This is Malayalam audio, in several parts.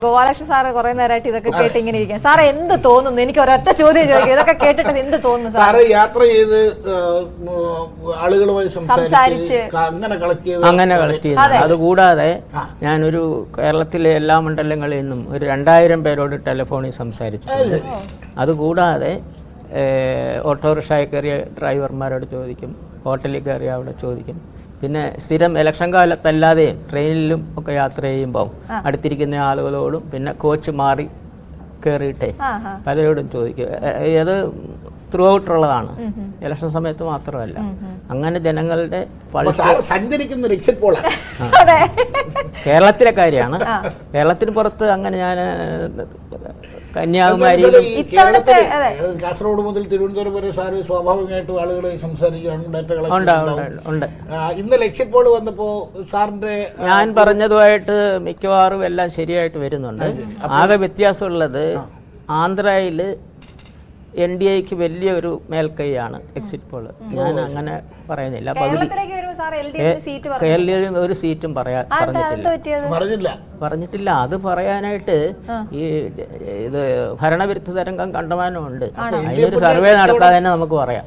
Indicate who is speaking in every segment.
Speaker 1: ഗോപാലകൃഷ്ണൻ സാറ് കുറെ നേരമായിട്ട് ഇതൊക്കെ കേട്ട് ഇങ്ങനെ ഇരിക്കാം. സാറ് എന്ത് തോന്നുന്നു? എനിക്ക് ഒരൊറ്റ ചോദ്യം ചോദിക്കും, ഇതൊക്കെ കേട്ടിട്ട് എന്ത് തോന്നുന്നു?
Speaker 2: സാറ് യാത്ര ചെയ്ത് ആളുകളുമായി സംസാരിച്ച്
Speaker 3: അങ്ങനെ കളക്ട് ചെയ്തു. അതുകൂടാതെ ഞാനൊരു കേരളത്തിലെ എല്ലാ മണ്ഡലങ്ങളിൽ നിന്നും ഒരു 2000 പേരോട് ടെലിഫോണിൽ സംസാരിച്ചിട്ടുണ്ട്. അതുകൂടാതെ ഓട്ടോറിക്ഷയിൽ കയറിയ ഡ്രൈവർമാരോട് ചോദിക്കും, ഹോട്ടലിൽ കയറിയ അവിടെ ചോദിക്കും. പിന്നെ സ്ഥിരം ഇലക്ഷൻ കാലത്തല്ലാതെ ട്രെയിനിലും ഒക്കെ യാത്ര ചെയ്യുമ്പോൾ അടുത്തിരിക്കുന്ന ആളുകളോടും പിന്നെ കോച്ച് മാറി കയറിയിട്ടേ പലരോടും ചോദിക്കും. അത് ത്രൂ ഔട്ടുള്ളതാണ്, ഇലക്ഷൻ സമയത്ത് മാത്രമല്ല. അങ്ങനെ ജനങ്ങളുടെ
Speaker 2: സഞ്ചരിക്കുന്ന എക്സിറ്റ് പോളാണ്.
Speaker 3: കേരളത്തിലെ കാര്യമാണ്. കേരളത്തിന് പുറത്ത് അങ്ങനെ ഞാൻ കന്യാകുമാരിയിലും
Speaker 2: കാസർഗോഡ് മുതൽ തിരുവനന്തപുരം വരെ സാറ് സ്വാഭാവികമായിട്ടും ആളുകളെ സംസാരിക്കുകയാണ്, ഡാറ്റ
Speaker 3: ഉണ്ട്.
Speaker 2: ഇന്നലെ എക്സിറ്റ് പോൾ വന്നപ്പോ സാറിന്റെ
Speaker 3: ഞാൻ പറഞ്ഞതുമായിട്ട് മിക്കവാറും എല്ലാം ശരിയായിട്ട് വരുന്നുണ്ട്. ആകെ വ്യത്യാസമുള്ളത് ആന്ധ്രയില് NDAക്ക് വലിയൊരു മേൽക്കൈയാണ് എക്സിറ്റ് പോള്. ഞാൻ അങ്ങനെ പറയുന്നില്ല. പകുതി കേരളത്തിൽ ഒരു സീറ്റും പറഞ്ഞിട്ടില്ല. അത് പറയാനായിട്ട് ഈ ഇത് ഭരണവിരുദ്ധ തരംഗം കണ്ടമാനമുണ്ട്. അതിനൊരു സർവേ നടത്താതെ തന്നെ നമുക്ക് പറയാം.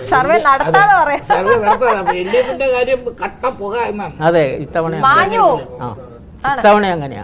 Speaker 3: അതെ, ഇത്തവണ അങ്ങനെയാ.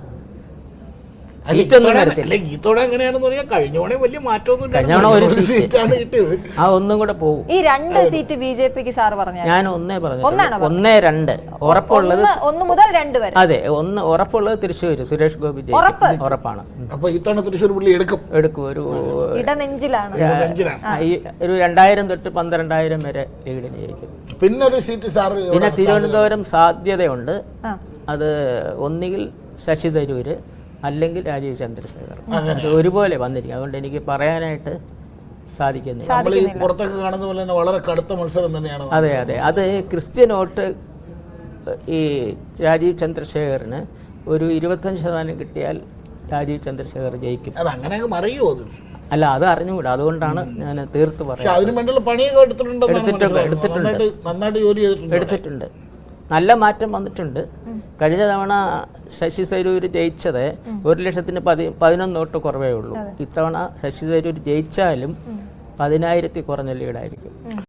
Speaker 3: ഒന്നും കൂടെ പോകും.
Speaker 1: ഈ 2 സീറ്റ് ബിജെപിക്ക് സാർ പറഞ്ഞു.
Speaker 3: ഞാൻ ഒന്നേ പറഞ്ഞു, 1-2 ഉറപ്പുള്ളത്
Speaker 1: 1 മുതൽ 2 വരെ.
Speaker 3: അതെ, ഉറപ്പുള്ളത് തൃശ്ശൂർ സുരേഷ് ഗോപി ഉറപ്പാണ്.
Speaker 2: അപ്പൊ ഇത്തവണ തൃശ്ശൂർ പുള്ളി എടുക്കും.
Speaker 3: ഒരു
Speaker 1: ഇടനെഞ്ചിലാണ്.
Speaker 3: ഒരു 2000 തൊട്ട് 12000 വരെ ലീഡിന് ജയിക്കും.
Speaker 2: പിന്നെ ഒരു സീറ്റ് സാർ
Speaker 3: പിന്നെ തിരുവനന്തപുരം സാധ്യതയുണ്ട്. അത് ഒന്നുകിൽ ശശി തരൂര് അല്ലെങ്കിൽ രാജീവ് ചന്ദ്രശേഖർ. അത് ഒരുപോലെ വന്നിരിക്കും. അതുകൊണ്ട് എനിക്ക് പറയാനായിട്ട് സാധിക്കുന്നില്ല.
Speaker 2: വളരെ കടുത്ത മത്സരം തന്നെയാണ്.
Speaker 3: അതെ, അത് ക്രിസ്ത്യൻ വോട്ട് ഈ രാജീവ് ചന്ദ്രശേഖറിന് ഒരു 25% കിട്ടിയാൽ രാജീവ് ചന്ദ്രശേഖർ ജയിക്കും. അല്ല, അത് അറിഞ്ഞുകൂടാ. അതുകൊണ്ടാണ് ഞാൻ തീർത്ത് പറയുന്നത്. എടുത്തിട്ടുണ്ട്. നല്ല മാറ്റം വന്നിട്ടുണ്ട്. കഴിഞ്ഞ തവണ ശശി തരൂര് ജയിച്ചത് 1,11,000 വോട്ട് കുറവേ ഉള്ളൂ. ഇത്തവണ ശശി തരൂര് ജയിച്ചാലും 10,000 കുറഞ്ഞ ലീഡായിരിക്കും.